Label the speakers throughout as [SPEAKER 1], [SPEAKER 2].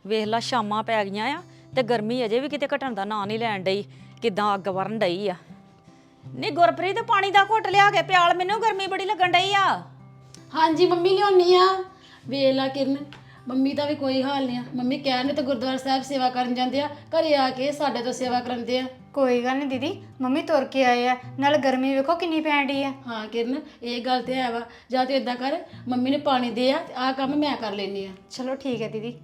[SPEAKER 1] ਵੇਖ ਲਾ ਸ਼ਾਮਾਂ ਪੈ ਗਈਆਂ ਆ ਤੇ ਗਰਮੀ ਅਜੇ ਵੀ ਕਿਤੇ ਘਟਣ ਦਾ ਨਾਂ ਨਹੀਂ ਲੈਣ ਡਈ। ਕਿਦਾਂ ਅੱਗ ਵਰਨ ਡਈ ਆ। ਨੀ ਗੁਰਪ੍ਰੀਤ ਪਾਣੀ ਦਾ ਘੁੱਟ ਲਿਆ ਕੇ ਪਿਆਲ, ਮੈਨੂੰ ਗਰਮੀ ਬੜੀ ਲੱਗਣ ਡਈ ਆ।
[SPEAKER 2] ਹਾਂਜੀ ਮੰਮੀ ਲਿਆਉਣੀ ਆ। ਵੇਖ ਲਾ ਕਿਰਨ, ਮੰਮੀ ਦਾ ਵੀ ਕੋਈ ਹਾਲ ਨਹੀਂ ਆ। ਮੰਮੀ ਕਹਿੰਦੇ ਤੇ ਗੁਰਦੁਆਰਾ ਸਾਹਿਬ ਸੇਵਾ ਕਰਨ ਜਾਂਦੇ ਆ, ਘਰੇ ਆ ਕੇ ਸਾਡੇ ਤੋਂ ਸੇਵਾ ਕਰਾਉਂਦੇ ਆ।
[SPEAKER 3] ਕੋਈ ਗੱਲ ਨਹੀਂ ਦੀਦੀ, ਮੰਮੀ ਤੁਰ ਕੇ ਆਏ ਆ, ਨਾਲ ਗਰਮੀ ਵੇਖੋ ਕਿੰਨੀ ਪੈਣ ਡਈ ਆ।
[SPEAKER 2] ਹਾਂ ਕਿਰਨ, ਇਹ ਗੱਲ ਤੇ ਹੈ ਵਾ। ਜਾਂ ਤੂੰ ਇਦਾਂ ਕਰ, ਮੰਮੀ ਨੇ ਪਾਣੀ ਦੇ ਆ ਤੇ ਆਹ ਕੰਮ ਮੈਂ ਕਰ ਲੈਣੀ ਆ।
[SPEAKER 3] ਚਲੋ ਠੀਕ ਹੈ ਦੀਦੀ।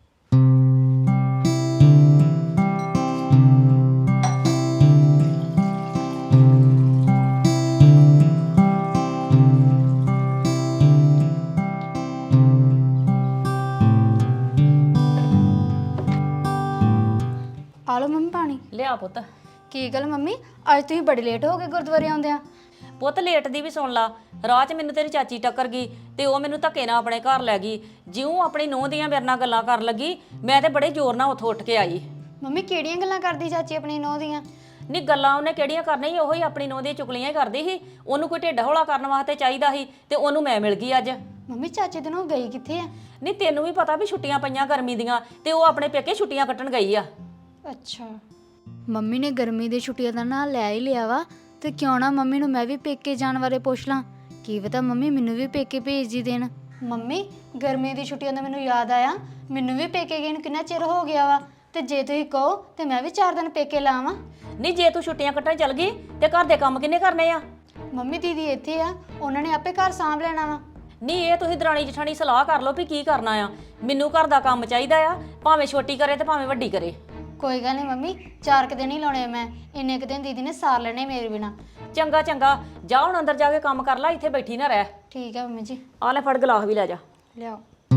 [SPEAKER 3] ਆ ਲਓ ਮੰਮੀ ਪਾਣੀ।
[SPEAKER 1] ਲਿਆ ਪੁੱਤ।
[SPEAKER 3] ਕੀ ਗੱਲ ਮੰਮੀ, ਅੱਜ ਤੁਸੀਂ ਬੜੇ ਲੇਟ ਹੋ ਗਏ ਗੁਰਦੁਆਰੇ ਆਉਂਦਿਆਂ।
[SPEAKER 1] ਪੁੱਤ ਲੇਟ ਦੀ ਵੀ ਸੁਣ ਲਾ। ਰਾਹ 'ਚ ਮੈਨੂੰ ਤੇਰੀ ਚਾਚੀ ਟੱਕਰ ਗਈ ਤੇ ਉਹ ਮੈਨੂੰ ਧੱਕੇ ਨਾਲ ਆਪਣੇ ਘਰ ਲੈ ਗਈ। ਜਿਉਂ ਆਪਣੀ ਨੂੰਹ ਦੀਆਂ ਮੇਰੇ ਨਾਲ ਗੱਲਾਂ ਕਰਨ ਲੱਗੀ, ਮੈਂ ਤੇ ਬੜੇ ਜ਼ੋਰ ਨਾਲ ਉੱਥੋਂ ਉੱਠ ਕੇ ਆਈ।
[SPEAKER 3] ਮੰਮੀ ਕਿਹੜੀਆਂ ਗੱਲਾਂ ਕਰਦੀ ਚਾਚੀ ਆਪਣੀ ਨੂੰਹ ਦੀਆਂ?
[SPEAKER 1] ਨਹੀਂ ਗੱਲਾਂ ਉਹਨੇ ਕਿਹੜੀਆਂ ਕਰਨੀਆਂ ਸੀ, ਉਹੀ ਆਪਣੀ ਨੂੰਹ ਦੀਆਂ ਚੁਗਲੀਆਂ ਹੀ ਕਰਦੀ ਸੀ। ਉਹਨੂੰ ਕੋਈ ਢਿੱਡ ਹੌਲਾ ਕਰਨ ਵਾਸਤੇ ਚਾਹੀਦਾ ਸੀ ਤੇ ਉਹਨੂੰ ਮੈਂ ਮਿਲ ਗਈ ਅੱਜ।
[SPEAKER 3] ਮੰਮੀ ਚਾਚੀ ਦੇ ਨੂੰ ਗਈ ਕਿੱਥੇ ਆ?
[SPEAKER 1] ਨਹੀਂ ਤੈਨੂੰ ਵੀ ਪਤਾ ਵੀ ਛੁੱਟੀਆਂ ਪਈਆਂ ਗਰਮੀ ਦੀਆਂ ਤੇ ਉਹ ਆਪਣੇ ਪੇਕੇ ਛੁੱਟੀਆਂ ਕੱਟਣ ਗਈ ਆ।
[SPEAKER 3] ਅੱਛਾ, ਮੰਮੀ ਨੇ ਗਰਮੀ ਦੀ ਛੁੱਟੀਆਂ ਦਾ ਨਾਂ ਲੈ ਹੀ ਲਿਆ ਵਾ, ਤੇ ਕਿਉਂ ਨਾ ਮੰਮੀ ਨੂੰ ਮੈਂ ਵੀ ਪੇਕੇ ਜਾਣ ਬਾਰੇ ਪੁੱਛ ਲਾਂ। ਕੀ ਪਤਾ ਮੰਮੀ ਮੈਨੂੰ ਵੀ ਪੇਕੇ ਭੇਜ ਹੀ ਦੇਣ। ਮੰਮੀ ਗਰਮੀ ਦੀ ਛੁੱਟੀਆਂ ਦਾ ਮੈਨੂੰ ਯਾਦ ਆਇਆ, ਮੈਨੂੰ ਵੀ ਪੇਕੇ ਗਏ ਨੂੰ ਕਿੰਨਾ ਚਿਰ ਹੋ ਗਿਆ ਵਾ, ਤੇ ਜੇ ਤੁਸੀਂ ਕਹੋ ਤੇ ਮੈਂ ਵੀ 4 ਦਿਨ ਪੇਕੇ ਲਾਵਾਂ।
[SPEAKER 1] ਨਹੀਂ ਜੇ ਤੂੰ ਛੁੱਟੀਆਂ ਕੱਟਣ ਚੱਲ ਗਈ ਤੇ ਘਰ ਦੇ ਕੰਮ ਕਿੰਨੇ ਕਰਨੇ ਆ?
[SPEAKER 3] ਮੰਮੀ ਦੀਦੀ ਇੱਥੇ ਆ, ਉਹਨਾਂ ਨੇ ਆਪੇ ਘਰ ਸਾਂਭ ਲੈਣਾ ਵਾ।
[SPEAKER 1] ਨਹੀਂ ਇਹ ਤੁਸੀਂ ਦਰਾਣੀ ਜਠਾਣੀ ਸਲਾਹ ਕਰ ਲਓ ਵੀ ਕੀ ਕਰਨਾ ਆ। ਮੈਨੂੰ ਘਰ ਦਾ ਕੰਮ ਚਾਹੀਦਾ ਆ, ਭਾਵੇਂ ਛੋਟੀ ਕਰੇ ਤੇ ਭਾਵੇਂ ਵੱਡੀ ਕਰੇ।
[SPEAKER 3] ਕੋਈ ਗੱਲ ਨਹੀਂ ਮੰਮੀ, 4 ਕੁ ਦਿਨ ਹੀ ਲਾਉਣੇ ਮੈਂ, ਇੰਨੇ ਕੁ ਦਿਨ ਦੀਦੀ ਨੇ ਸਾਰ ਲੈਣੇ ਮੇਰੇ ਬਿਨਾ।
[SPEAKER 1] ਚੰਗਾ ਚੰਗਾ, ਜਾ ਹੁਣ ਅੰਦਰ ਜਾ ਕੇ ਕੰਮ ਕਰ ਲੈ, ਇੱਥੇ ਬੈਠੀ ਨਾ ਰਹਿ।
[SPEAKER 3] ਠੀਕ ਹੈ ਮੰਮੀ ਜੀ।
[SPEAKER 1] ਆ ਲੈ ਫੜ ਗਲਾਸ ਵੀ ਲੈ ਜਾ।
[SPEAKER 3] ਲਿਆਓ।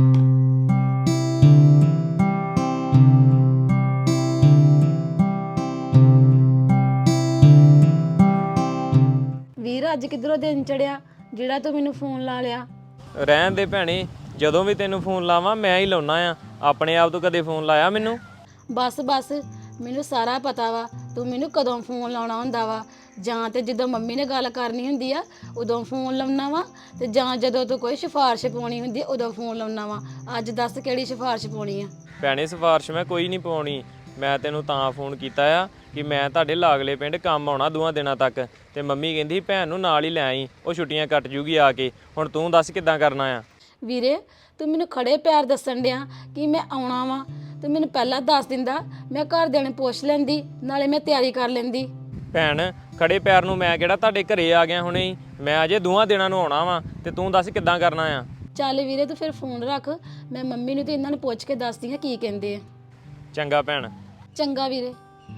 [SPEAKER 2] ਵੀਰ ਅੱਜ ਕਿੱਧਰੋਂ ਦਿਨ ਚੜਿਆ ਜਿਹੜਾ ਤੂੰ ਮੈਨੂੰ ਫੋਨ ਲਾ ਲਿਆ?
[SPEAKER 4] ਰਹਿਣ ਦੇ ਭੈਣੇ, ਜਦੋਂ ਵੀ ਤੈਨੂੰ ਫੋਨ ਲਾਵਾਂ ਮੈਂ ਹੀ ਲਾਉਣਾ ਆ। ਆਪਣੇ ਆਪ ਤੋਂ ਕਦੇ ਫੋਨ ਲਾਇਆ ਮੈਨੂੰ?
[SPEAKER 2] ਬਸ ਮੈਨੂੰ ਸਾਰਾ ਪਤਾ ਵਾ ਤੂੰ ਮੈਨੂੰ ਕਦੋਂ ਫੋਨ ਲਾਉਣਾ ਹੁੰਦਾ ਵਾ। ਜਾਂ ਤੇ ਜਦੋਂ ਮੰਮੀ ਨੇ ਗੱਲ ਕਰਨੀ ਹੁੰਦੀ ਆ ਉਦੋਂ ਫੋਨ ਲਾਉਣਾ ਵਾ, ਤੇ ਜਾਂ ਜਦੋਂ ਤੂੰ ਕੋਈ ਸਿਫਾਰਿਸ਼ ਪਾਉਣੀ ਹੁੰਦੀ ਉਦੋਂ ਫੋਨ ਲਾਉਣਾ ਵਾ। ਅੱਜ ਦੱਸ ਕਿਹੜੀ ਸਿਫਾਰਿਸ਼ ਪਾਉਣੀ ਆ?
[SPEAKER 4] ਭੈਣੇ ਸਿਫਾਰਿਸ਼ ਮੈਂ ਕੋਈ ਨਹੀਂ ਪਾਉਣੀ। ਮੈਂ ਤੈਨੂੰ ਤਾਂ ਫੋਨ ਕੀਤਾ ਆ ਕਿ ਮੈਂ ਤੁਹਾਡੇ ਲਾਗਲੇ ਪਿੰਡ ਕੰਮ ਆਉਣਾ 2 ਦਿਨਾਂ ਤੱਕ, ਤੇ ਮੰਮੀ ਕਹਿੰਦੀ ਭੈਣ ਨੂੰ ਨਾਲ ਹੀ ਲੈ ਆਈ, ਉਹ ਛੁੱਟੀਆਂ ਕੱਟ ਜੂਗੀ ਆ ਕੇ। ਹੁਣ ਤੂੰ ਦੱਸ ਕਿੱਦਾਂ ਕਰਨਾ ਆ?
[SPEAKER 2] ਵੀਰੇ ਤੂੰ ਮੈਨੂੰ ਖੜੇ ਪੈਰ ਦੱਸਣ ਡਿਆ ਕਿ ਮੈਂ ਆਉਣਾ ਵਾ, ਤੇ ਮੈਨੂੰ ਪਹਿਲਾਂ ਦੱਸ ਦਿੰਦਾ, ਮੈਂ ਘਰਦਿਆਂ ਨੂੰ ਪੁੱਛ ਲੈਂਦੀ, ਨਾਲੇ ਮੈਂ ਤਿਆਰੀ ਕਰ ਲੈਂਦੀ।
[SPEAKER 4] ਭੈਣ ਖੜੇ ਪੈਰ ਨੂੰ ਮੈਂ ਕਿਹੜਾ ਤੁਹਾਡੇ ਘਰੇ ਆ ਗਿਆ ਹੁਣੇ ਹੀ, ਮੈਂ ਅਜੇ 2 ਦਿਨਾਂ ਨੂੰ ਆਉਣਾ ਵਾ, ਤੇ ਤੂੰ ਦੱਸ ਕਿੱਦਾਂ ਕਰਨਾ ਆ?
[SPEAKER 2] ਚੱਲ ਵੀਰੇ ਤੂੰ ਫਿਰ ਫੋਨ ਰੱਖ, ਮੈਂ ਮੰਮੀ ਨੂੰ ਤੇ ਇਹਨਾਂ ਨੂੰ ਪੁੱਛ ਕੇ ਦੱਸਦੀ ਹਾਂ ਕੀ ਕਹਿੰਦੇ ਆ।
[SPEAKER 4] ਚੰਗਾ ਭੈਣ।
[SPEAKER 2] ਚੰਗਾ ਵੀਰੇ।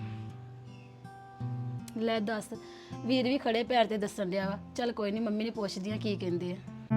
[SPEAKER 2] ਲੈ ਦੱਸ, ਵੀਰ ਵੀ ਖੜੇ ਪੈਰ ਤੇ ਦੱਸਣ ਡਿਆ ਵਾ। ਚੱਲ ਕੋਈ ਨਹੀਂ, ਮੰਮੀ ਨੇ ਪੁੱਛਦੀ ਆ ਕੀ ਕਹਿੰਦੇ ਆ।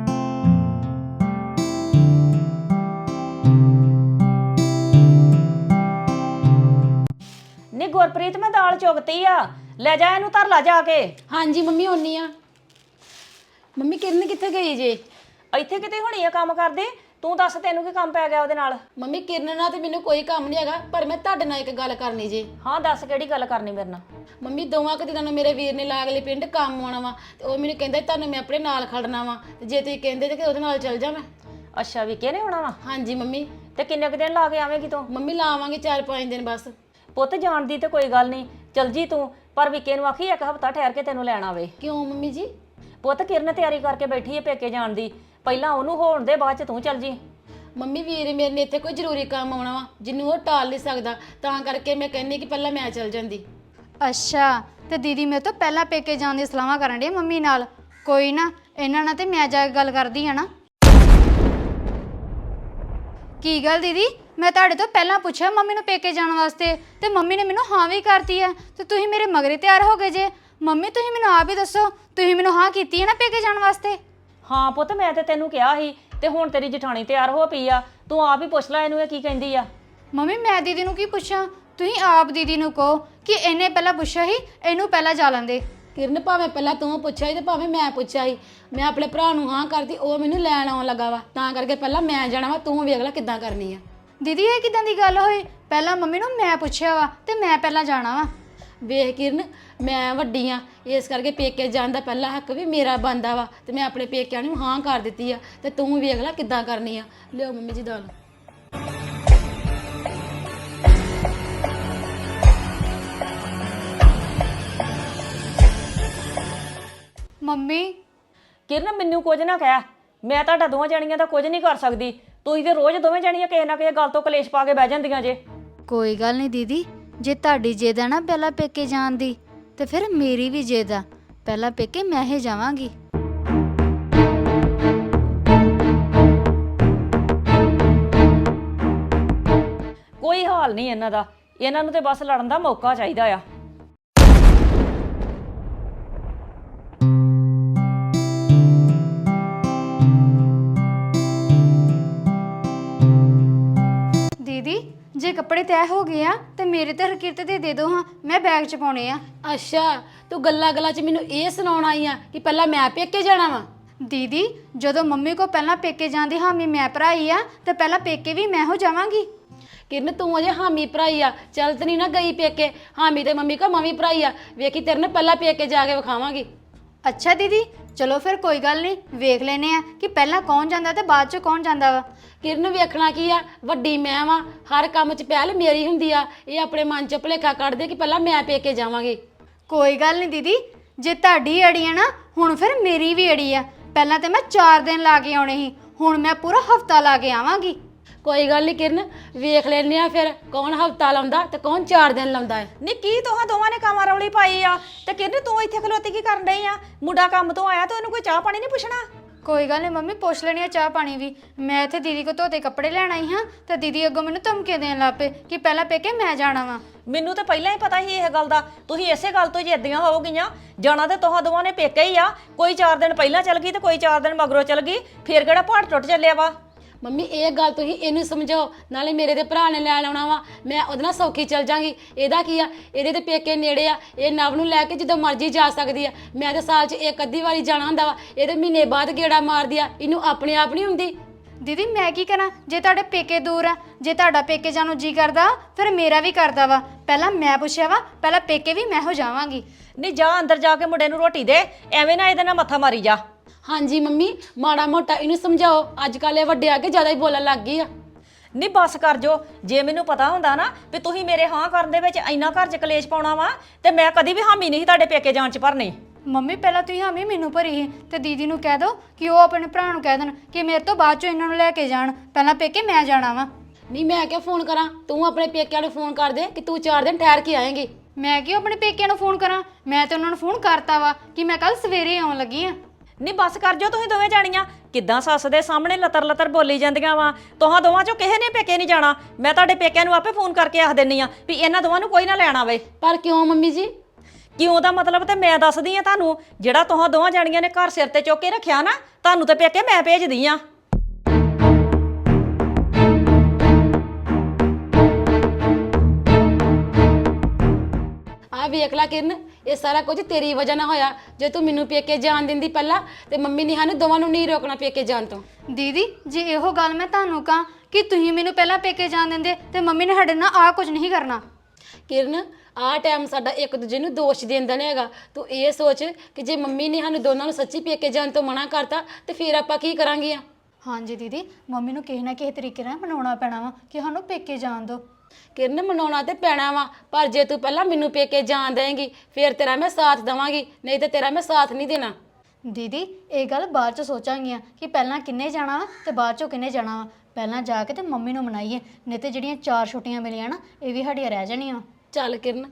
[SPEAKER 1] ਨਹੀਂ ਗੁਰਪ੍ਰੀਤ ਮੈਂ ਦਾਲ ਚੁਗਤੀ ਆ, ਲੈ ਜਾ ਇਹਨੂੰ ਧਰ ਲਾ ਜਾ ਕੇ।
[SPEAKER 2] ਹਾਂਜੀ ਮੰਮੀ ਆਉਣੀ ਆ। ਮੰਮੀ ਕਿਰਨ ਕਿੱਥੇ ਗਈ ਜੇ?
[SPEAKER 1] ਇੱਥੇ ਕਿਤੇ ਹੋਣੀ ਆ ਕੰਮ ਕਰਦੇ। ਤੂੰ ਦੱਸ ਤੈਨੂੰ ਕੀ ਕੰਮ ਪੈ ਗਿਆ ਉਹਦੇ ਨਾਲ?
[SPEAKER 2] ਮੰਮੀ ਕਿਰਨ ਨਾਲ ਤੇ ਮੈਨੂੰ ਕੋਈ ਕੰਮ ਨਹੀਂ ਹੈਗਾ, ਪਰ ਮੈਂ ਤੁਹਾਡੇ ਨਾਲ ਇੱਕ ਗੱਲ ਕਰਨੀ ਜੇ।
[SPEAKER 1] ਹਾਂ ਦੱਸ ਕਿਹੜੀ ਗੱਲ ਕਰਨੀ ਮੇਰੇ ਨਾਲ?
[SPEAKER 2] ਮੰਮੀ 2 ਕੁ ਦਿਨਾਂ ਨੂੰ ਮੇਰੇ ਵੀਰ ਨੇ ਲਾਗਲੇ ਪਿੰਡ ਕੰਮ ਆਉਣਾ ਵਾ, ਤੇ ਉਹ ਮੈਨੂੰ ਕਹਿੰਦਾ ਤੁਹਾਨੂੰ ਮੈਂ ਆਪਣੇ ਨਾਲ ਖੜਨਾ ਵਾ, ਤੇ ਜੇ ਤੁਸੀਂ ਕਹਿੰਦੇ ਤੇ ਉਹਦੇ ਨਾਲ ਚੱਲ ਜਾ ਮੈਂ।
[SPEAKER 1] ਅੱਛਾ ਵੀ ਕਿਹਨੇ ਆਉਣਾ ਵਾ?
[SPEAKER 2] ਹਾਂਜੀ ਮੰਮੀ।
[SPEAKER 1] ਤੇ ਕਿੰਨੇ ਕੁ ਦਿਨ ਲਾ ਕੇ ਆਵੇਂਗੀ ਤੂੰ?
[SPEAKER 2] ਮੰਮੀ ਲਾਵਾਂਗੇ 4-5 ਦਿਨ ਬਸ।
[SPEAKER 1] ਪੁੱਤ ਜਾਣ ਦੀ ਤੇ ਕੋਈ ਗੱਲ ਨਹੀਂ, ਚਲ ਜੀ ਤੂੰ, ਪਰ ਵਿਕੇ ਨੂੰ ਆਖੀ 1 ਹਫ਼ਤਾ ਠਹਿਰ ਕੇ ਤੈਨੂੰ ਲੈਣ ਆਵੇ।
[SPEAKER 2] ਕਿਉਂ ਮੰਮੀ ਜੀ?
[SPEAKER 1] ਪੁੱਤ ਕਿਰਨ ਤਿਆਰੀ ਕਰਕੇ ਬੈਠੀ ਹੈ ਪੇਕੇ ਜਾਣ ਦੀ, ਪਹਿਲਾਂ ਉਹਨੂੰ ਹੋਣ ਦੇ, ਬਾਅਦ ਚ ਤੂੰ ਚੱਲ ਜੀ।
[SPEAKER 2] ਮੰਮੀ ਵੀਰ ਮੇਰੇ ਨੇ ਇੱਥੇ ਕੋਈ ਜ਼ਰੂਰੀ ਕੰਮ ਆਉਣਾ ਵਾ ਜਿਹਨੂੰ ਉਹ ਟਾਲ ਨਹੀਂ ਸਕਦਾ, ਤਾਂ ਕਰਕੇ ਮੈਂ ਕਹਿੰਦੀ ਕਿ ਪਹਿਲਾਂ ਮੈਂ ਚੱਲ ਜਾਂਦੀ।
[SPEAKER 3] ਅੱਛਾ, ਤੇ ਦੀਦੀ ਮੇਰੇ ਤੋਂ ਪਹਿਲਾਂ ਪੇਕੇ ਜਾਣ ਦੀ ਸਲਾਹਾਂ ਕਰਨ ਡਈ ਮੰਮੀ ਨਾਲ। ਕੋਈ ਨਾ, ਇਹਨਾਂ ਨਾਲ ਤੇ ਮੈਂ ਜਾ ਕੇ ਗੱਲ ਕਰਦੀ ਆ ਨਾ। ਕੀ ਗੱਲ ਦੀਦੀ, ਮੈਂ ਤੁਹਾਡੇ ਤੋਂ ਪਹਿਲਾਂ ਪੁੱਛਿਆ ਮੰਮੀ ਨੂੰ ਪੇਕੇ ਜਾਣ ਵਾਸਤੇ, ਤੇ ਮੰਮੀ ਨੇ ਮੈਨੂੰ ਹਾਂ ਵੀ ਕਰਤੀ ਹੈ, ਤੇ ਤੁਸੀਂ ਮੇਰੇ ਮਗਰੇ ਤਿਆਰ ਹੋ ਗਏ ਜੇ। ਮੰਮੀ ਤੁਸੀਂ ਮੈਨੂੰ ਆਪ ਹੀ ਦੱਸੋ, ਤੁਸੀਂ ਮੈਨੂੰ ਹਾਂ ਕੀਤੀ ਹੈ ਨਾ ਪੇਕੇ ਜਾਣ ਵਾਸਤੇ?
[SPEAKER 1] ਹਾਂ ਪੁੱਤ ਮੈਂ ਤੇ ਤੈਨੂੰ ਕਿਹਾ ਸੀ, ਤੇ ਹੁਣ ਤੇਰੀ ਜਠਾਣੀ ਤਿਆਰ ਹੋ ਪਈ ਆ, ਤੂੰ ਆਪ ਹੀ ਪੁੱਛ ਲੈ ਇਹਨੂੰ ਇਹ ਕੀ ਕਹਿੰਦੀ ਆ।
[SPEAKER 3] ਮੰਮੀ ਮੈਂ ਦੀਦੀ ਨੂੰ ਕੀ ਪੁੱਛਾਂ, ਤੁਸੀਂ ਆਪ ਦੀਦੀ ਨੂੰ ਕਹੋ ਕਿ ਇਹਨੇ ਪਹਿਲਾਂ ਪੁੱਛਿਆ ਸੀ, ਇਹਨੂੰ ਪਹਿਲਾਂ ਜਾ ਲੈਂਦੇ।
[SPEAKER 2] ਕਿਰਨ ਭਾਵੇਂ ਪਹਿਲਾਂ ਤੂੰ ਪੁੱਛਿਆ ਸੀ ਤੇ ਭਾਵੇਂ ਮੈਂ ਪੁੱਛਿਆ ਸੀ, ਮੈਂ ਆਪਣੇ ਭਰਾ ਨੂੰ ਹਾਂ ਕਰਦੀ, ਉਹ ਮੈਨੂੰ ਲੈਣ ਆਉਣ ਲੱਗਾ ਵਾ, ਤਾਂ ਕਰਕੇ ਪਹਿਲਾਂ ਮੈਂ ਜਾਣਾ ਵਾ, ਤੂੰ ਵੇਖ ਲੈ ਕਿੱਦਾਂ ਕਰਨੀ ਆ।
[SPEAKER 3] ਦੀਦੀ ਇਹ ਕਿਦਾਂ ਦੀ ਗੱਲ ਹੋਈ? ਪਹਿਲਾਂ ਮੰਮੀ ਨੂੰ ਮੈਂ ਪੁੱਛਿਆ ਵਾ ਤੇ ਮੈਂ ਪਹਿਲਾਂ ਜਾਣਾ ਵਾ।
[SPEAKER 2] ਵੇਖ ਕਿਰਨ, ਮੈਂ ਵੱਡੀ ਆ, ਇਸ ਕਰਕੇ ਪੇਕੇ ਜਾਣ ਦਾ ਪਹਿਲਾ ਹੱਕ ਵੀ ਮੇਰਾ ਬਣਦਾ ਵਾ, ਤੇ ਮੈਂ ਆਪਣੇ ਪੇਕਿਆਂ ਨੂੰ ਹਾਂ ਕਰ ਦਿੱਤੀ ਆ, ਤੇ ਤੂੰ ਵੇਖ ਲੈ ਕਿੱਦਾਂ ਕਰਨੀ ਆ। ਲਿਓ ਮੰਮੀ ਜੀ ਦਾਲ।
[SPEAKER 3] ਮੰਮੀ
[SPEAKER 1] ਕਿਰਨ ਮੈਨੂੰ ਕੁਝ ਨਾ ਕਹਿ, ਮੈਂ ਤੁਹਾਡਾ ਦੋਵਾਂ ਜਣੀਆਂ ਦਾ ਕੁਝ ਨਹੀਂ ਕਰ ਸਕਦੀ। ਤੁਸੀਂ ਤੇ ਰੋਜ਼ ਦੋਵੇਂ ਜਣੀਆਂ ਕਿਸੇ ਨਾ ਕਿਸੇ ਗੱਲ ਤੋਂ ਕਲੇਸ਼ ਪਾ ਕੇ ਬਹਿ ਜਾਂਦੀਆਂ ਜੇ।
[SPEAKER 3] ਕੋਈ ਗੱਲ ਨਹੀਂ ਦੀਦੀ, ਜੇ ਤੁਹਾਡੀ ਜਿੱਦ ਆ ਨਾ ਪਹਿਲਾਂ ਪੇਕੇ ਜਾਣ ਦੀ ਤੇ ਫਿਰ ਮੇਰੀ ਵੀ ਜਿੱਦ ਆ, ਪਹਿਲਾਂ ਪੇਕੇ ਮੈਂ ਹੀ ਜਾਵਾਂਗੀ।
[SPEAKER 1] ਕੋਈ ਹਾਲ ਨਹੀਂ ਇਹਨਾਂ ਦਾ, ਇਹਨਾਂ ਨੂੰ ਤੇ ਬਸ ਲੜਨ ਦਾ ਮੌਕਾ ਚਾਹੀਦਾ ਆ।
[SPEAKER 3] ਦੀਦੀ ਜੇ ਕੱਪੜੇ ਤੈਅ ਹੋ ਗਏ ਆ ਤੇ ਮੇਰੇ ਤੇ ਹਰਕਿਰਤ ਦੇ ਦਿਓ ਹਾਂ, ਮੈਂ ਬੈਗ 'ਚ ਪਾਉਣੇ ਆ।
[SPEAKER 2] ਅੱਛਾ, ਤੂੰ ਗੱਲਾਂ 'ਚ ਮੈਨੂੰ ਇਹ ਸੁਣਾਉਣ ਆਈ ਆ ਕਿ ਪਹਿਲਾਂ ਮੈਂ ਪੇਕੇ ਜਾਣਾ ਵਾ?
[SPEAKER 3] ਦੀਦੀ ਜਦੋਂ ਮੰਮੀ ਕੋ ਪਹਿਲਾਂ ਪੇਕੇ ਜਾਂਦੀ ਹਾਮੀ ਮੈਂ ਭਰਾਈ ਆ ਤੇ ਪਹਿਲਾਂ ਪੇਕੇ ਵੀ ਮੈਂ ਹੋ ਜਾਵਾਂਗੀ।
[SPEAKER 2] ਕਿਰਨ ਤੂੰ ਅਜੇ ਹਾਮੀ ਭਰਾਈ ਆ, ਚੱਲ ਤੇ ਨਹੀਂ ਨਾ ਗਈ ਪੇਕੇ। ਹਾਮੀ ਤੇ ਮੰਮੀ ਕੋ ਮੰਮੀ ਭਰਾਈ ਆ, ਵੇਖੀ ਤੇਰੇ ਨਾਲ ਪਹਿਲਾਂ ਪੇਕੇ ਜਾ ਕੇ ਵਿਖਾਵਾਂਗੀ।
[SPEAKER 3] ਅੱਛਾ ਦੀਦੀ ਚਲੋ ਫਿਰ ਕੋਈ ਗੱਲ ਨਹੀਂ, ਵੇਖ ਲੈਨੇ ਆ ਕਿ ਪਹਿਲਾਂ ਕੌਣ ਜਾਂਦਾ ਤੇ ਬਾਅਦ 'ਚ ਕੌਣ ਜਾਂਦਾ ਵਾ।
[SPEAKER 2] ਕਿਰਨ ਵੇਖਣਾ ਕੀ ਆ, ਵੱਡੀ ਮੈਂ ਵਾਂ, ਹਰ ਕੰਮ 'ਚ ਪਹਿਲ ਮੇਰੀ ਹੁੰਦੀ ਆ। ਇਹ ਆਪਣੇ ਮਨ 'ਚ ਭੁਲੇਖਾ ਕੱਢਦੇ ਕਿ ਪਹਿਲਾਂ ਮੈਂ ਪੇਕੇ ਜਾਵਾਂਗੀ।
[SPEAKER 3] ਕੋਈ ਗੱਲ ਨਹੀਂ ਦੀਦੀ, ਜੇ ਤੁਹਾਡੀ ਅੜੀ ਆ ਨਾ ਹੁਣ ਫਿਰ ਮੇਰੀ ਵੀ ਅੜੀ ਆ। ਪਹਿਲਾਂ ਤੇ ਮੈਂ 4 ਦਿਨ ਲਾ ਕੇ ਆਉਣੇ ਸੀ, ਹੁਣ ਮੈਂ ਪੂਰਾ ਹਫਤਾ ਲਾ ਕੇ ਆਵਾਂਗੀ।
[SPEAKER 2] ਕੋਈ ਗੱਲ ਨਹੀਂ ਕਿਰਨ, ਵੇਖ ਲੈਨੇ ਆ ਫਿਰ ਕੌਣ ਹਫਤਾ ਲਾਉਂਦਾ ਤੇ ਕੌਣ 4 ਦਿਨ ਲਾਉਂਦਾ ਹੈ।
[SPEAKER 1] ਨੀ ਕੀ ਤੁਹਾਂ ਦੋਵਾਂ ਨੇ ਕਾਮਾ ਰੌਲੀ ਪਾਈ ਆ? ਤੇ ਕਿਰਨ ਤੂੰ ਇੱਥੇ ਖਲੋਤੀ ਕੀ ਕਰਨ ਡਈ ਆ? ਮੁੰਡਾ ਕੰਮ ਤੋਂ ਆਇਆ ਤੇ ਉਹਨੂੰ ਕੋਈ ਚਾਹ ਪਾਣੀ ਨਹੀਂ ਪੁੱਛਣਾ?
[SPEAKER 3] ਕੋਈ ਗੱਲ ਨਹੀਂ ਮੰਮੀ, ਪੁੱਛ ਲੈਣੀ ਆ ਚਾਹ ਪਾਣੀ ਵੀ। ਮੈਂ ਇੱਥੇ ਦੀਦੀ ਕੋ ਧੋਤੇ ਕੱਪੜੇ ਲੈਣ ਆਈ ਹਾਂ ਤੇ ਦੀਦੀ ਅੱਗੋਂ ਮੈਨੂੰ ਧਮਕੇ ਦੇਣ ਲੱਗ ਪਏ ਕਿ ਪਹਿਲਾਂ ਪੇਕੇ ਮੈਂ ਜਾਣਾ ਵਾ।
[SPEAKER 1] ਮੈਨੂੰ ਤਾਂ ਪਹਿਲਾਂ ਹੀ ਪਤਾ ਸੀ ਇਹ ਗੱਲ ਦਾ। ਤੁਸੀਂ ਇਸੇ ਗੱਲ ਤੋਂ ਜਿੱਦੀਆਂ ਹੋਵਗੀਆਂ। ਜਾਣਾ ਤੇ ਤੁਹਾਂ ਦੋਵਾਂ ਨੇ ਪੇਕੇ ਹੀ ਆ। ਕੋਈ 4 ਦਿਨ ਪਹਿਲਾਂ ਚਲ ਗਈ ਤੇ ਕੋਈ 4 ਦਿਨ ਮਗਰੋਂ ਚਲ ਗਈ, ਫੇਰ ਕਿਹੜਾ ਪਹਾੜ ਟੁੱਟ ਚੱਲਿਆ ਵਾ?
[SPEAKER 2] ਮੰਮੀ ਇਹ ਗੱਲ ਤੁਸੀਂ ਇਹਨੂੰ ਸਮਝਾਓ, ਨਾਲੇ ਮੇਰੇ ਦੇ ਭਰਾ ਨੇ ਲੈਣ ਆਉਣਾ ਵਾ, ਮੈਂ ਉਹਦੇ ਨਾਲ ਸੌਖੀ ਚੱਲ ਜਾਂਗੀ। ਇਹਦਾ ਕੀ ਆ, ਇਹਦੇ ਤੇ ਪੇਕੇ ਨੇੜੇ ਆ, ਇਹ ਨਵ ਨੂੰ ਲੈ ਕੇ ਜਦੋਂ ਮਰਜ਼ੀ ਜਾ ਸਕਦੀ ਆ। ਮੈਂ ਤਾਂ ਸਾਲ 'ਚ ਇੱਕ ਅੱਧੀ ਵਾਰੀ ਜਾਣਾ ਹੁੰਦਾ ਵਾ, ਇਹਦੇ ਮਹੀਨੇ ਬਾਅਦ ਗੇੜਾ ਮਾਰਦੀ ਆ। ਇਹਨੂੰ ਆਪਣੇ ਆਪ ਨਹੀਂ ਹੁੰਦੀ।
[SPEAKER 3] ਦੀਦੀ ਮੈਂ ਕੀ ਕਰਾਂ, ਜੇ ਤੁਹਾਡੇ ਪੇਕੇ ਦੂਰ ਆ, ਜੇ ਤੁਹਾਡਾ ਪੇਕੇ ਜਾਣ ਨੂੰ ਜੀ ਕਰਦਾ ਫਿਰ ਮੇਰਾ ਵੀ ਕਰਦਾ ਵਾ। ਪਹਿਲਾਂ ਮੈਂ ਪੁੱਛਿਆ ਵਾ, ਪਹਿਲਾਂ ਪੇਕੇ ਵੀ ਮੈਂ ਹੋ ਜਾਵਾਂਗੀ।
[SPEAKER 1] ਨਹੀਂ ਜਾ ਅੰਦਰ ਜਾ ਕੇ ਮੁੰਡੇ ਨੂੰ ਰੋਟੀ ਦੇ, ਐਵੇਂ ਨਾ ਇਹਦੇ ਨਾਲ ਮੱਥਾ ਮਾਰੀ ਜਾ।
[SPEAKER 2] ਹਾਂਜੀ ਮੰਮੀ, ਮਾੜਾ ਮੋਟਾ ਇਹਨੂੰ ਸਮਝਾਓ, ਅੱਜ ਕੱਲ੍ਹ ਇਹ ਵੱਡੇ ਆ ਕੇ ਜ਼ਿਆਦਾ ਹੀ ਬੋਲਣ ਲੱਗ ਗਈ ਆ।
[SPEAKER 1] ਨਹੀਂ ਬਸ ਕਰ ਜੋ। ਜੇ ਮੈਨੂੰ ਪਤਾ ਹੁੰਦਾ ਨਾ ਵੀ ਤੁਸੀਂ ਮੇਰੇ ਹਾਂ ਕਰਨ ਦੇ ਵਿੱਚ ਇੰਨਾ ਘਰ 'ਚ ਕਲੇਸ਼ ਪਾਉਣਾ ਵਾ ਤੇ ਮੈਂ ਕਦੀ ਵੀ ਹਾਮੀ ਨਹੀਂ ਤੁਹਾਡੇ ਪੇਕੇ ਜਾਣ 'ਚ ਭਰਨੀ।
[SPEAKER 3] ਮੰਮੀ ਪਹਿਲਾਂ ਤੁਸੀਂ ਹਾਮੀ ਮੈਨੂੰ ਭਰੀ ਸੀ ਤੇ ਦੀਦੀ ਨੂੰ ਕਹਿ ਦਿਓ ਕਿ ਉਹ ਆਪਣੇ ਭਰਾ ਨੂੰ ਕਹਿ ਦੇਣ ਕਿ ਮੇਰੇ ਤੋਂ ਬਾਅਦ 'ਚੋਂ ਇਹਨਾਂ ਨੂੰ ਲੈ ਕੇ ਜਾਣ, ਪਹਿਲਾਂ ਪੇਕੇ ਮੈਂ ਜਾਣਾ ਵਾ।
[SPEAKER 2] ਨਹੀਂ ਮੈਂ ਕਿਹਾ ਫੋਨ ਕਰਾਂ, ਤੂੰ ਆਪਣੇ ਪੇਕਿਆਂ ਨੂੰ ਫੋਨ ਕਰ ਦੇ ਕਿ ਤੂੰ 4 ਦਿਨ ਠਹਿਰ ਕੇ ਆਏਂਗੀ।
[SPEAKER 3] ਮੈਂ ਕਿਉਂ ਆਪਣੇ ਪੇਕਿਆਂ ਨੂੰ ਫੋਨ ਕਰਾਂ, ਮੈਂ ਤੇ ਉਹਨਾਂ ਨੂੰ ਫੋਨ ਕਰਤਾ ਵਾ ਕਿ ਮੈਂ ਕੱਲ ਸਵੇਰੇ ਆਉਣ ਲੱਗੀ ਆ।
[SPEAKER 1] ਨਹੀਂ ਬਸ ਕਰ ਜੋ ਤੁਸੀਂ ਦੋਵੇਂ ਜਾਣੀਆਂ। ਕਿੱਦਾਂ ਸੱਸ ਦੇ ਸਾਹਮਣੇ ਲਤਰ ਲਤਰ ਬੋਲੀ ਜਾਂਦੀਆਂ ਵਾ। ਤੁਹਾਂ ਦੋਵਾਂ 'ਚੋਂ ਕਿਸੇ ਨੇ ਪੇਕੇ ਨਹੀਂ ਜਾਣਾ। ਮੈਂ ਤੁਹਾਡੇ ਪੇਕਿਆਂ ਨੂੰ ਆਪੇ ਫੋਨ ਕਰਕੇ ਆਖ ਦਿੰਨੀ ਆ ਵੀ ਇਹਨਾਂ ਦੋਵਾਂ ਨੂੰ ਕੋਈ ਨਾ ਲੈਣ ਆਵੇ।
[SPEAKER 2] ਪਰ ਕਿਉਂ ਮੰਮੀ ਜੀ?
[SPEAKER 1] ਕਿਉਂ ਦਾ ਮਤਲਬ ਤੇ ਮੈਂ ਦੱਸਦੀ ਆ ਤੁਹਾਨੂੰ। ਜਿਹੜਾ ਤੁਹਾਂ ਦੋਵਾਂ ਜਾਣੀਆਂ ਨੇ ਘਰ ਸਿਰ ਤੇ ਚੁੱਕ ਕੇ ਰੱਖਿਆ ਨਾ, ਤੁਹਾਨੂੰ ਤੇ ਪੇਕੇ ਮੈਂ ਭੇਜਦੀ ਆ।
[SPEAKER 2] ਆ ਵੇਖ ਲੈ ਕਿਰਨ, ਇਹ ਸਾਰਾ ਕੁਝ ਤੇਰੀ ਵਜ੍ਹਾ ਨਾਲ ਹੋਇਆ। ਜੇ ਤੂੰ ਮੈਨੂੰ ਪੇਕੇ ਜਾਣ ਦਿੰਦੀ ਪਹਿਲਾਂ ਤੇ ਮੰਮੀ ਨੇ ਸਾਨੂੰ ਦੋਵਾਂ ਨੂੰ ਨਹੀਂ ਰੋਕਣਾ ਪੇਕੇ ਜਾਣ ਤੋਂ।
[SPEAKER 3] ਦੀਦੀ ਜੇ ਇਹੋ ਗੱਲ ਮੈਂ ਤੁਹਾਨੂੰ ਕਹਾਂ ਕਿ ਤੁਸੀਂ ਮੈਨੂੰ ਪਹਿਲਾਂ ਪੇਕੇ ਜਾਣ ਦਿੰਦੇ ਤੇ ਮੰਮੀ ਨੇ ਸਾਡੇ ਨਾਲ ਆਹ ਕੁਝ ਨਹੀਂ ਕਰਨਾ।
[SPEAKER 2] ਕਿਰਨ ਆਹ ਟਾਈਮ ਸਾਡਾ ਇੱਕ ਦੂਜੇ ਨੂੰ ਦੋਸ਼ ਦੇਂਦਾ ਨਹੀਂ ਹੈਗਾ। ਤੂੰ ਇਹ ਸੋਚ ਕਿ ਜੇ ਮੰਮੀ ਨੇ ਸਾਨੂੰ ਦੋਨਾਂ ਨੂੰ ਸੱਚੀ ਪੇਕੇ ਜਾਣ ਤੋਂ ਮਨਾ ਕਰਤਾ ਤੇ ਫਿਰ ਆਪਾਂ ਕੀ ਕਰਾਂਗੇ?
[SPEAKER 3] ਹਾਂਜੀ ਦੀਦੀ, ਮੰਮੀ ਨੂੰ ਕਿਸੇ ਨਾ ਕਿਸੇ ਤਰੀਕੇ ਨਾਲ ਮਨਾਉਣਾ ਪੈਣਾ ਵਾ ਕਿ ਸਾਨੂੰ ਪੇਕੇ ਜਾਣ ਦਿਓ।
[SPEAKER 2] ਕਿਰਨ ਮਨਾਉਣਾ ਤੇ ਪੈਣਾ ਵਾ, ਪਰ ਜੇ ਤੂੰ ਪਹਿਲਾਂ ਮੈਨੂੰ ਪੇਕੇ ਜਾਣ ਦੇਂਗੀ ਫਿਰ ਤੇਰਾ ਮੈਂ ਸਾਥ ਦੇਵਾਂਗੀ, ਨਹੀਂ ਤੇ ਤੇਰਾ ਮੈਂ ਸਾਥ ਨਹੀਂ ਦੇਣਾ।
[SPEAKER 3] ਦੀਦੀ ਇਹ ਗੱਲ ਬਾਅਦ ਚ ਸੋਚਾਂਗੀਆਂ ਕਿ ਪਹਿਲਾਂ ਕਿੰਨੇ ਜਾਣਾ ਵਾ ਤੇ ਬਾਅਦ ਚੋਂ ਕਿੰਨੇ ਜਾਣਾ ਵਾ। ਪਹਿਲਾਂ ਜਾ ਕੇ ਤੇ ਮੰਮੀ ਨੂੰ ਮਨਾਈਏ, ਨਹੀਂ ਤੇ ਜਿਹੜੀਆਂ 4 ਛੁੱਟੀਆਂ ਮਿਲੀਆਂ ਨਾ ਇਹ ਵੀ ਸਾਡੀਆਂ ਰਹਿ ਜਾਣੀਆਂ।
[SPEAKER 2] ਚੱਲ ਕਿਰਨ।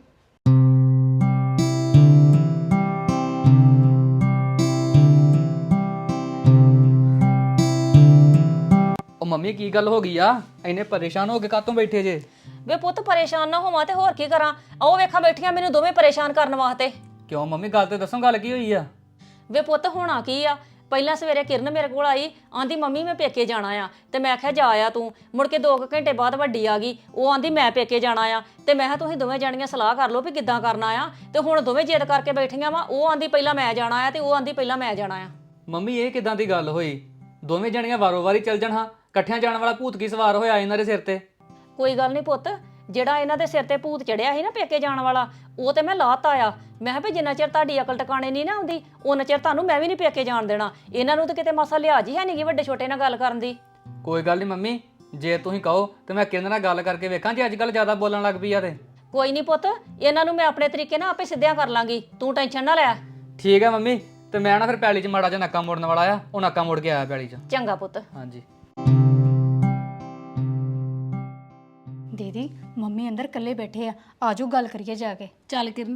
[SPEAKER 5] ਉਹ ਮੰਮੀ ਕੀ ਗੱਲ ਹੋ ਗਈ ਆ? ਇੰਨੇ ਪਰੇਸ਼ਾਨ ਹੋ ਕੇ ਕਾਹਤੋਂ ਬੈਠੇ ਜੇ?
[SPEAKER 1] ਵੇ ਪੁੱਤ ਪਰੇਸ਼ਾਨ ਨਾ ਹੋਵਾਂ ਤੇ ਹੋਰ ਕੀ ਕਰਾਂ? ਆਓ ਵੇਖਾਂ ਬੈਠੀਆਂ ਮੈਨੂੰ ਦੋਵੇਂ ਪਰੇਸ਼ਾਨ ਕਰਨ ਵਾਸਤੇ।
[SPEAKER 5] ਕਿਉਂ ਮੰਮੀ, ਗੱਲ ਤੇ ਦੱਸੋ, ਗੱਲ ਕੀ ਹੋਈ ਆ?
[SPEAKER 1] ਵੇ ਪੁੱਤ ਹੋਣਾ ਕੀ ਆ? ਪਹਿਲਾਂ ਸਵੇਰੇ ਕਿਰਨ ਮੇਰੇ ਕੋਲ ਆਈ, ਆਂਦੀ ਮੰਮੀ ਮੈਂ ਪੇਕੇ ਜਾਣਾ ਆ। ਤੇ ਮੈਂ ਕਿਹਾ ਜਾ ਆ ਤੂੰ। ਮੁੜ ਕੇ 2 ਘੰਟੇ ਬਾਅਦ ਵੱਡੀ ਆ ਗਈ, ਉਹ ਆਂਦੀ ਮੈਂ ਪੇਕੇ ਜਾਣਾ ਆ। ਤੇ ਮੈਂ ਕਿਹਾ ਤੁਸੀਂ ਦੋਵੇਂ ਜਾਣੀਆਂ ਸਲਾਹ ਕਰ ਲਓ ਵੀ ਕਿੱਦਾਂ ਕਰਨਾ ਆ। ਤੇ ਹੁਣ ਦੋਵੇਂ ਜਿੱਦ ਕਰਕੇ ਬੈਠੀਆਂ ਵਾ। ਉਹ ਆਂਦੀ ਪਹਿਲਾਂ ਮੈਂ ਜਾਣਾ ਆ ਤੇ ਉਹ ਆਂਦੀ ਪਹਿਲਾਂ ਮੈਂ ਜਾਣਾ ਆ।
[SPEAKER 5] ਮੰਮੀ ਇਹ ਕਿਦਾਂ ਦੀ ਗੱਲ ਹੋਈ? ਦੋਵੇਂ ਜਣੀਆਂ ਵਾਰੋ-ਵਾਰੀ ਚੱਲ ਜਾਣ, ਹਾਂ ਇਕੱਠਿਆਂ ਜਾਣ ਵਾਲਾ ਭੂਤ ਕੀ ਸਵਾਰ ਹੋਇਆ ਇਹਨਾਂ ਦੇ ਸਿਰ ਤੇ?
[SPEAKER 1] ਕੋਈ ਗੱਲ ਨਹੀਂ ਪੁੱਤ, ਜਿਹੜਾ ਇਹਨਾਂ ਦੇ ਸਿਰ ਤੇ ਭੂਤ ਚੜਿਆ ਸੀ ਨਾ ਪੇਕੇ ਜਾਣ ਵਾਲਾ, ਉਹ ਤੇ ਮੈਂ ਲਾਤਾ ਆ। ਮੈਂ ਕਿਹਾ ਵੀ ਜਿੰਨਾ ਚਿਰ ਤੁਹਾਡੀ ਅਕਲ ਟਿਕਾਣੇ ਨਹੀਂ ਨਾ ਆਉਂਦੀ ਉਹਨਾਂ ਚਿਰ ਤੁਹਾਨੂੰ ਮੈਂ ਵੀ ਨਹੀਂ ਪੇਕੇ ਜਾਣ ਦੇਣਾ। ਇਹਨਾਂ ਨੂੰ ਤਾਂ ਕਿਤੇ ਮਸਾ ਲਿਹਾਜ਼ ਹੀ ਹੈ ਨਹੀਂ ਗੀ ਵੱਡੇ ਛੋਟੇ ਨਾਲ ਗੱਲ ਕਰਨ ਦੀ।
[SPEAKER 5] ਕੋਈ ਗੱਲ ਨਹੀਂ ਮੰਮੀ, ਜੇ ਤੁਸੀਂ ਕਹੋ ਤੇ ਮੈਂ ਕਿਹਦੇ ਨਾਲ ਗੱਲ ਕਰਕੇ ਵੇਖਾਂ ਜੇ ਅੱਜ ਕੱਲ ਜ਼ਿਆਦਾ ਬੋਲਣ ਲੱਗ ਪਈ ਆ ਤੇ।
[SPEAKER 1] ਕੋਈ ਨਹੀਂ ਪੁੱਤ, ਇਹਨਾਂ ਨੂੰ ਮੈਂ ਆਪਣੇ ਤਰੀਕੇ ਨਾਲ ਆਪੇ ਸਿੱਧਿਆਂ ਕਰ ਲਾਂਗੀ, ਤੂੰ ਟੈਨਸ਼ਨ ਨਾ ਲੈ।
[SPEAKER 5] ਠੀਕ ਹੈ ਮੰਮੀ, ਤੇ ਮੈਂ ਨਾ ਫਿਰ ਪੈਲੀ 'ਚ ਮਾੜਾ ਜਿਹਾ ਨੱਕਾ ਮੋੜਨ ਵਾਲਾ ਆ, ਉਹ ਨੱਕਾ ਮੋੜ ਕੇ ਆਇਆ ਪੈਲੀ 'ਚ।
[SPEAKER 1] ਚੰਗਾ ਪੁੱਤ।
[SPEAKER 5] ਹਾਂਜੀ।
[SPEAKER 3] ਦੀਦੀ ਮੰਮੀ ਅੰਦਰ ਇਕੱਲੇ ਬੈਠੇ ਆ, ਆਜੋ ਗੱਲ ਕਰੀਏ ਜਾ ਕੇ।
[SPEAKER 2] ਚੱਲ ਕਿਰਨ।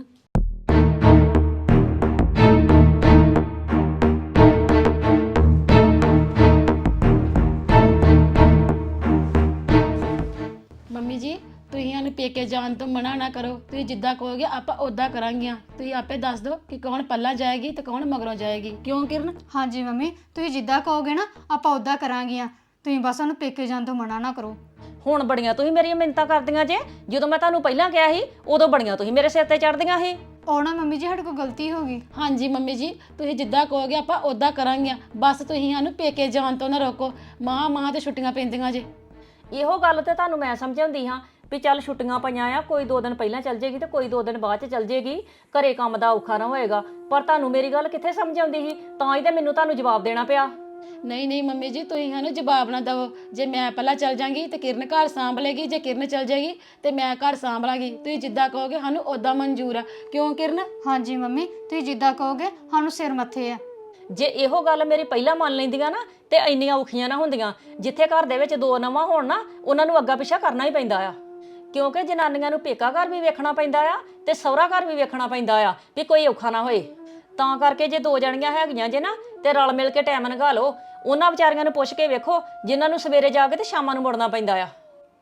[SPEAKER 2] ਮੰਮੀ ਜੀ ਤੁਸੀਂ ਸਾਨੂੰ ਪੇਕੇ ਜਾਣ ਤੋਂ ਮਨਾ ਨਾ ਕਰੋ, ਤੁਸੀਂ ਜਿੱਦਾਂ ਕਹੋਗੇ ਆਪਾਂ ਉਦਾਂ ਕਰਾਂਗੀਆਂ। ਤੁਸੀਂ ਆਪੇ ਦੱਸ ਦਿਓ ਕਿ ਕੌਣ ਪੱਲਾ ਜਾਏਗੀ ਤੇ ਕੌਣ ਮਗਰੋਂ ਜਾਏਗੀ, ਕਿਉਂ ਕਿਰਨ?
[SPEAKER 3] ਹਾਂਜੀ ਮੰਮੀ, ਤੁਸੀਂ ਜਿੱਦਾਂ ਕਹੋਗੇ ਨਾ ਆਪਾਂ ਉਦਾਂ ਕਰਾਂਗੀਆਂ, ਤੁਸੀਂ ਬਸ ਉਹਨੂੰ ਪੇਕੇ ਜਾਣ ਤੋਂ ਮਨਾ ਨਾ ਕਰੋ।
[SPEAKER 1] ਹੁਣ ਬੜੀਆਂ ਤੁਸੀਂ ਮੇਰੀਆਂ ਮਿੰਨਤਾਂ ਕਰਦੀਆਂ ਜੇ, ਜਦੋਂ ਮੈਂ ਤੁਹਾਨੂੰ ਪਹਿਲਾਂ ਕਿਹਾ ਸੀ ਉਦੋਂ ਬੜੀਆਂ ਤੁਸੀਂ ਮੇਰੇ ਸਿਰ ਤੇ ਚੜਦੀਆਂ ਸੀ।
[SPEAKER 3] ਉਹ ਨਾ ਮੰਮੀ ਜੀ ਸਾਡੇ ਕੋਲ ਗਲਤੀ ਹੋ ਗਈ।
[SPEAKER 2] ਹਾਂਜੀ ਮੰਮੀ ਜੀ ਤੁਸੀਂ ਜਿੱਦਾਂ ਕਹੋਗੇ ਆਪਾਂ ਉਦਾਂ ਕਰਾਂਗੀਆਂ, ਬਸ ਤੁਸੀਂ ਸਾਨੂੰ ਪੇਕੇ ਜਾਣ ਤੋਂ ਨਾ ਰੋਕੋ। ਮਾਂ ਤੇ ਛੁੱਟੀਆਂ ਪੈਂਦੀਆਂ ਜੇ।
[SPEAKER 1] ਇਹੋ ਗੱਲ ਤੇ ਤੁਹਾਨੂੰ ਮੈਂ ਸਮਝਾਉਂਦੀ ਹਾਂ ਵੀ ਚੱਲ ਛੁੱਟੀਆਂ ਪਈਆਂ ਆ, ਕੋਈ 2 ਦਿਨ ਪਹਿਲਾਂ ਚੱਲ ਜੇਗੀ ਤੇ ਕੋਈ 2 ਦਿਨ ਬਾਅਦ ਚ ਚੱਲ ਜੇਗੀ, ਘਰੇ ਕੰਮ ਦਾ ਔਖਾ ਨਾ ਹੋਏਗਾ। ਪਰ ਤੁਹਾਨੂੰ ਮੇਰੀ ਗੱਲ ਕਿੱਥੇ ਸਮਝ ਆਉਂਦੀ ਸੀ, ਤਾਂ ਹੀ ਤੇ ਮੈਨੂੰ ਤੁਹਾਨੂੰ ਜਵਾਬ ਦੇਣਾ ਪਿਆ।
[SPEAKER 2] ਨਹੀਂ ਮੰਮੀ ਜੀ ਤੁਸੀਂ ਸਾਨੂੰ ਜਵਾਬ ਨਾ ਦਿਓ। ਜੇ ਮੈਂ ਪਹਿਲਾਂ ਚੱਲ ਜਾਂਗੀ ਤੇ ਕਿਰਨ ਘਰ ਸਾਂਭ ਲੇਗੀ, ਜੇ ਕਿਰਨ ਚੱਲ ਜਾਏਗੀ ਤੇ ਮੈਂ ਘਰ ਸਾਂਭ ਲਾਂਗੀ। ਤੁਸੀਂ ਜਿੱਦਾਂ ਕਹੋਗੇ ਸਾਨੂੰ ਉਦਾਂ ਮਨਜ਼ੂਰ ਆ, ਕਿਉਂ ਕਿਰਨ?
[SPEAKER 3] ਹਾਂਜੀ ਮੰਮੀ, ਤੁਸੀਂ ਜਿੱਦਾਂ ਕਹੋਗੇ ਸਾਨੂੰ ਸਿਰ ਮੱਥੇ ਆ।
[SPEAKER 1] ਜੇ ਇਹੋ ਗੱਲ ਮੇਰੀ ਪਹਿਲਾਂ ਮੰਨ ਲੈਂਦੀਆਂ ਨਾ ਤੇ ਇੰਨੀਆਂ ਔਖੀਆਂ ਨਾ ਹੁੰਦੀਆਂ। ਜਿੱਥੇ ਘਰ ਦੇ ਵਿੱਚ 2 ਨਵਾਂ ਹੋਣ ਨਾ, ਉਹਨਾਂ ਨੂੰ ਅੱਗਾ ਪਿੱਛਾ ਕਰਨਾ ਹੀ ਪੈਂਦਾ ਆ, ਕਿਉਂਕਿ ਜਨਾਨੀਆਂ ਨੂੰ ਪੇਕਾ ਘਰ ਵੀ ਵੇਖਣਾ ਪੈਂਦਾ ਆ ਤੇ ਸਹੁਰਾ ਘਰ ਵੀ ਵੇਖਣਾ ਪੈਂਦਾ ਆ ਵੀ ਕੋਈ ਔਖਾ ਨਾ ਹੋਏ। ਤਾਂ ਕਰਕੇ ਜੇ 2 ਜਣੀਆਂ ਹੈਗੀਆਂ ਜੇ ਨਾ ਤੇ ਰਲ ਮਿਲ ਕੇ ਟਾਈਮ ਲੰਘਾ ਲਓ। ਉਹਨਾਂ ਵਿਚਾਰੀਆਂ ਨੂੰ ਪੁੱਛ ਕੇ ਵੇਖੋ ਜਿਨ੍ਹਾਂ ਨੂੰ ਸਵੇਰੇ ਜਾ ਕੇ ਤੇ ਸ਼ਾਮਾਂ ਨੂੰ ਮੁੜਨਾ ਪੈਂਦਾ ਆ।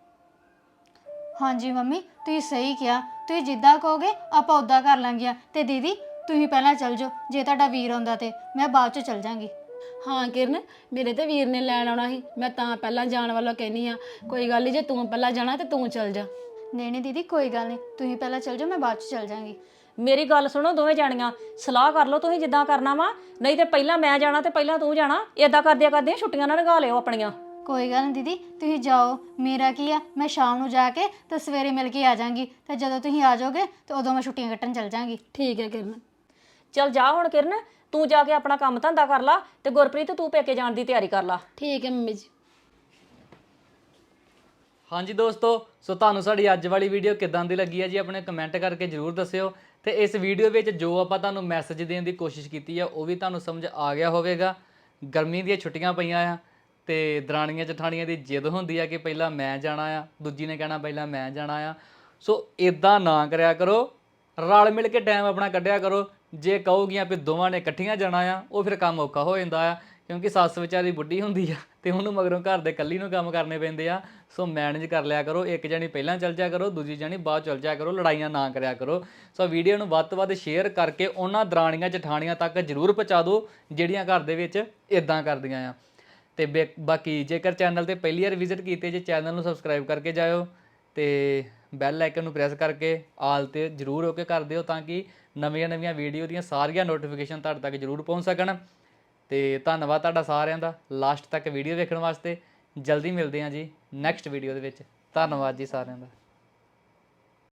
[SPEAKER 3] ਹਾਂਜੀ ਮੰਮੀ, ਤੁਸੀਂ ਸਹੀ ਕਿਹਾ, ਤੁਸੀਂ ਜਿੱਦਾਂ ਕਹੋਗੇ ਆਪਾਂ ਉਦਾਂ ਕਰ ਲਾਂਗੀਆਂ। ਤੇ ਦੀਦੀ ਤੁਸੀਂ ਪਹਿਲਾਂ ਚੱਲ ਜਾਓ, ਜੇ ਤੁਹਾਡਾ ਵੀਰ ਆਉਂਦਾ ਤੇ ਮੈਂ ਬਾਅਦ ਚ ਚੱਲ ਜਾਵਾਂਗੀ।
[SPEAKER 2] ਹਾਂ ਕਿਰਨ, ਮੇਰੇ ਤੇ ਵੀਰ ਨੇ ਲੈਣ ਆਉਣਾ ਸੀ, ਮੈਂ ਤਾਂ ਪਹਿਲਾਂ ਜਾਣ ਵੱਲੋਂ ਕਹਿਨੀ ਆ। ਕੋਈ ਗੱਲ ਨਹੀਂ, ਜੇ ਤੂੰ ਪਹਿਲਾਂ ਜਾਣਾ ਤੇ ਤੂੰ ਚੱਲ ਜਾ।
[SPEAKER 3] ਨਹੀਂ ਦੀਦੀ ਕੋਈ ਗੱਲ ਨਹੀਂ, ਤੁਸੀਂ ਪਹਿਲਾਂ ਚੱਲ ਜਾਓ, ਮੈਂ ਬਾਅਦ ਚ ਚੱਲ ਜਾਵਾਂਗੀ।
[SPEAKER 1] ਮੇਰੀ ਗੱਲ ਸੁਣੋ, ਦੋਵੇਂ ਜਾਣੀਆਂ ਸਲਾਹ ਕਰ ਲਓ ਤੁਸੀਂ ਜਿੱਦਾਂ ਕਰਨਾ ਵਾ, ਨਹੀਂ ਤੇ ਪਹਿਲਾਂ ਮੈਂ ਜਾਣਾ ਤੇ ਪਹਿਲਾਂ ਤੂੰ ਜਾਣਾ। ਏਦਾਂ ਕਰਦਿਆਂ ਛੁੱਟੀਆਂ ਨਾ ਲਗਾ ਲਿਓ ਆਪਣੀਆਂ।
[SPEAKER 3] ਕੋਈ ਗੱਲ ਨਹੀਂ ਦੀਦੀ, ਤੁਸੀਂ ਜਾਓ, ਮੇਰਾ ਕੀ ਆ, ਮੈਂ ਸ਼ਾਮ ਨੂੰ ਜਾ ਕੇ ਤੇ ਸਵੇਰੇ ਮਿਲ ਕੇ ਆ ਜਾਵਾਂਗੀ। ਤੇ ਜਦੋਂ ਤੁਸੀਂ ਆ ਜਾਓਗੇ ਤੇ ਉਦੋਂ ਮੈਂ ਛੁੱਟੀਆਂ ਕੱਟਣ ਚੱਲ ਜਾਵਾਂਗੀ।
[SPEAKER 2] ਠੀਕ ਹੈ ਕਿਰਨ।
[SPEAKER 1] ਚੱਲ ਜਾ ਹੁਣ ਕਿਰਨ, ਤੂੰ ਜਾ ਕੇ ਆਪਣਾ ਕੰਮ ਧੰਦਾ ਕਰ ਲਾ ਤੇ ਗੁਰਪ੍ਰੀਤ ਤੂੰ ਪੇਕੇ ਜਾਣ ਦੀ ਤਿਆਰੀ ਕਰ ਲਾ।
[SPEAKER 2] ਠੀਕ ਹੈ ਮੰਮੀ ਜੀ।
[SPEAKER 5] ਹਾਂਜੀ ਦੋਸਤੋ, ਸੋ ਤੁਹਾਨੂੰ ਸਾਡੀ ਅੱਜ ਵਾਲੀ ਵੀਡੀਓ ਕਿੱਦਾਂ ਦੀ ਲੱਗੀ ਹੈ ਜੀ, ਆਪਣੇ ਕਮੈਂਟ ਕਰਕੇ ਜ਼ਰੂਰ ਦੱਸਿਓ। ਤੇ ਇਸ ਵੀਡੀਓ ਵਿੱਚ ਜੋ ਆਪਾਂ ਤੁਹਾਨੂੰ ਮੈਸੇਜ ਦੇਣ ਦੀ ਕੋਸ਼ਿਸ਼ ਕੀਤੀ ਆ ਉਹ ਵੀ ਤੁਹਾਨੂੰ ਸਮਝ ਆ ਗਿਆ ਹੋਵੇਗਾ। ਗਰਮੀ ਦੀਆਂ ਛੁੱਟੀਆਂ ਪਈਆਂ ਆ ਤੇ ਦਰਾਣੀਆਂ ਜਠਾਣੀਆਂ ਦੀ ਜਿੱਦ ਹੁੰਦੀ ਆ ਕਿ ਪਹਿਲਾਂ ਮੈਂ ਜਾਣਾ ਆ, ਦੂਜੀ ਨੇ ਕਹਿਣਾ ਪਹਿਲਾਂ ਮੈਂ ਜਾਣਾ ਆ। ਸੋ ਇਦਾਂ ਨਾ ਕਰਿਆ ਕਰੋ, ਰਲ ਮਿਲ ਕੇ ਟਾਈਮ ਆਪਣਾ ਕੱਢਿਆ ਕਰੋ। ਜੇ ਕਹੋਗੀਆਂ ਵੀ ਦੋਵਾਂ ਨੇ ਇਕੱਠੀਆਂ ਜਾਣਾ ਆ, ਉਹ ਫਿਰ ਕੰਮ ਔਖਾ ਹੋ ਜਾਂਦਾ ਆ, ਕਿਉਂਕਿ ਸੱਸ ਵਿਚਾਰੀ ਬੁੱਢੀ ਹੁੰਦੀ ਆ ਤੇ ਉਹਨੂੰ ਮਗਰੋਂ ਘਰ ਦੇ ਇਕੱਲੀ ਨੂੰ ਕੰਮ ਕਰਨੇ ਪੈਂਦੇ ਆ। ਸੋ ਮੈਨੇਜ ਕਰ ਲਿਆ ਕਰੋ, ਇੱਕ ਜਣੀ ਪਹਿਲਾਂ ਚੱਲ ਜਾਇਆ ਕਰੋ, ਦੂਜੀ ਜਣੀ ਬਾਅਦ ਚੱਲ ਜਾਇਆ ਕਰੋ, ਲੜਾਈਆਂ ਨਾ ਕਰਿਆ ਕਰੋ। ਸੋ ਵੀਡੀਓ ਨੂੰ ਵੱਧ ਤੋਂ ਵੱਧ ਸ਼ੇਅਰ ਕਰਕੇ ਉਹਨਾਂ ਦਰਾਣੀਆਂ ਜਠਾਣੀਆਂ ਤੱਕ ਜ਼ਰੂਰ ਪਹੁੰਚਾ ਦਿਓ ਜਿਹੜੀਆਂ ਘਰ ਦੇ ਵਿੱਚ ਇਦਾਂ ਕਰਦੀਆਂ ਆ। ਤੇ ਬਾਕੀ ਜੇਕਰ ਚੈਨਲ ਤੇ ਪਹਿਲੀ ਵਾਰ ਵਿਜ਼ਿਟ ਕੀਤੇ ਜੇ, ਚੈਨਲ ਨੂੰ ਸਬਸਕ੍ਰਾਈਬ ਕਰਕੇ ਜਾਇਓ ਤੇ ਬੈਲ ਆਈਕਨ ਨੂੰ ਪ੍ਰੈਸ ਕਰਕੇ ਆਲ ਤੇ ਜ਼ਰੂਰ ਹੋ ਕੇ ਕਰ ਦਿਓ, ਤਾਂ ਕਿ ਨਵੀਆਂ ਵੀਡੀਓ ਦੀਆਂ ਸਾਰੀਆਂ ਨੋਟੀਫਿਕੇਸ਼ਨ ਤੁਹਾਡੇ ਤੱਕ ਜ਼ਰੂਰ ਪਹੁੰਚ ਸਕਣ। ਤੇ ਧੰਨਵਾਦ ਤੁਹਾਡਾ ਸਾਰਿਆਂ ਦਾ ਲਾਸਟ ਤੱਕ ਵੀਡੀਓ ਵੇਖਣ ਵਾਸਤੇ। ਜਲਦੀ ਮਿਲਦੇ ਹਾਂ ਜੀ ਨੈਕਸਟ ਵੀਡੀਓ ਦੇ ਵਿੱਚ। ਧੰਨਵਾਦ ਜੀ ਸਾਰਿਆਂ ਦਾ।